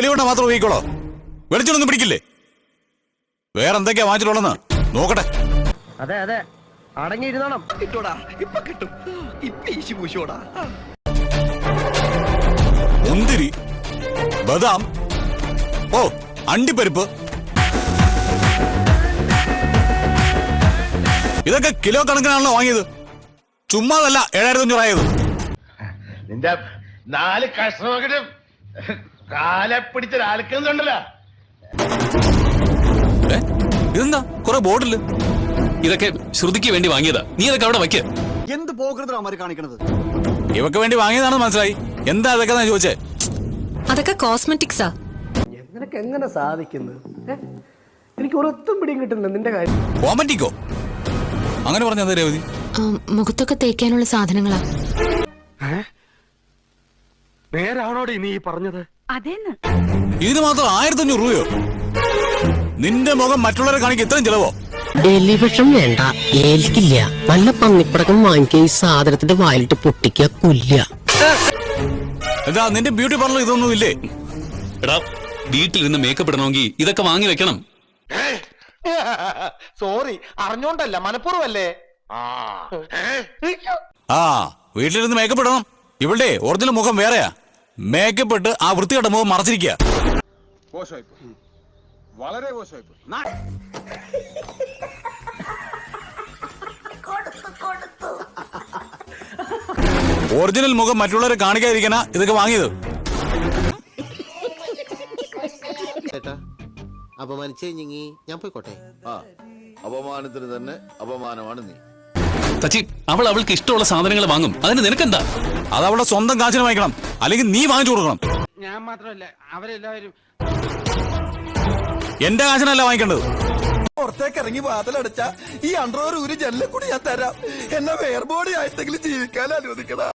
തെളിവുണ്ട മാത്രം ഉപയോഗിക്കോളോ? വെളിച്ചൊന്നും പിടിക്കില്ലേ? വേറെ എന്തൊക്കെയാ വാങ്ങിച്ചിട്ടുള്ളതെന്ന് നോക്കട്ടെ. അതെ അതെ, അടങ്ങിയിരുന്നോണം. കിട്ടോടാ, ഇപ്പൊ കിട്ടും. ഇപ്പൊ ഈശി പൂശോടാ. മുന്തിരി, ബദാം, ഓ അണ്ടിപ്പരിപ്പ്, ഇതൊക്കെ കിലോ കണക്കിനാണല്ലോ വാങ്ങിയത്. ചുമ്മാതല്ല 7500 ആയത്. നിന്റെ 4 കഷ്ണമൊക്കെ കാലെ പിടിച്ചൊരാൾക്കുന്നുണ്ടല്ലോ. ഇതെന്താ കുറെ ബോട്ടില്? ഇതൊക്കെ ശ്രുതിക്ക് വേണ്ടി വാങ്ങിയതാ. നീ ഇതൊക്കെ അവിടെ വയ്ക്ക. എന്ത് പോകൃതമാര് കാണിക്കണത്? ഇവക്ക് വേണ്ടി വാങ്ങിയതാണെന്ന് മനസ്സിലായി. എന്താ അതൊക്കെ ചോദിച്ചേ? അതൊക്കെ കോസ്മെറ്റിക്സാ. നിനക്ക് എങ്ങനെ സാധിക്കുന്നത്? എനിക്ക് ഒരൊത്തും പിടിയും കിട്ടുന്നില്ല നിന്റെ കാര്യം. കോമറ്റിക്കോ? അങ്ങനെ പറഞ്ഞ രേവതി? മുഖത്തൊക്കെ തേക്കാനുള്ള സാധനങ്ങളാ. നേരാണോടി നീ പറഞ്ഞത്? അതേന്ന്. ഇതിന് മാത്രം 1500 രൂപയോ? നിന്റെ മുഖം മറ്റുള്ളവരെ കാണിക്കാൻ ഇത്രയും ചെലവോ? ഡെലിവിഷൻ വേണ്ട, ഏൽക്കില്ല. നല്ല പന്നിപ്പടക്കം വാങ്ങിക്കുക, ഈ സാധനത്തിന്റെ വായിലിട്ട് പൊട്ടിക്കുക, കൊല്ല. എന്താ നിന്റെ ബ്യൂട്ടി പാർലർ ഇതൊന്നും ഇല്ലേ? എടാ, വീട്ടിൽ നിന്ന് മേക്കപ്പ് ഇടണമെങ്കിൽ ഇതൊക്കെ വാങ്ങി വെക്കണം. സോറി, അറിഞ്ഞോണ്ടല്ല, മനഃപൂർവ്വല്ലേ. ആ വീട്ടിലിരുന്ന് മേക്കപ്പ് ഇടണം. ഇവിടെ ഒറിജിനൽ മുഖം വേറെയാ. മേക്കപ്പ് ഇട്ട് ആ വൃത്തികെട്ട മുഖം മറച്ചിരിക്കുക. വളരെ മോശമായിപ്പോയി. ഒറിജിനൽ മുഖം മറ്റുള്ളവരെ കാണിക്കാതിരിക്കാനാ ഇതൊക്കെ വാങ്ങിയത്. അപമാനിച്ചേ ഞാൻ പോയിക്കോട്ടെ. അപമാനത്തിന് തന്നെ അപമാനമാണ് നീ. സച്ചി, അവൾക്ക് ഇഷ്ടമുള്ള സാധനങ്ങൾ വാങ്ങും. അതിന് നിനക്കെന്താ? അത് അവളുടെ സ്വന്തം കാശിന് വാങ്ങിക്കണം, അല്ലെങ്കിൽ നീ വാങ്ങിച്ചു കൊടുക്കണം. ഞാൻ മാത്രമല്ല, അവരെല്ലാവരും എന്റെ കാശിനല്ല വാങ്ങിക്കേണ്ടത്. പുറത്തേക്ക് ഇറങ്ങി വാതിലടച്ച ഈ അണ്ടർവെയർ ഒരു ജനലിൽ കൂടി ഞാൻ തരാം. എന്നെ വേർബോഡി ആയിട്ടെങ്കിലും ജീവിക്കാൻ അനുവദിക്കണം.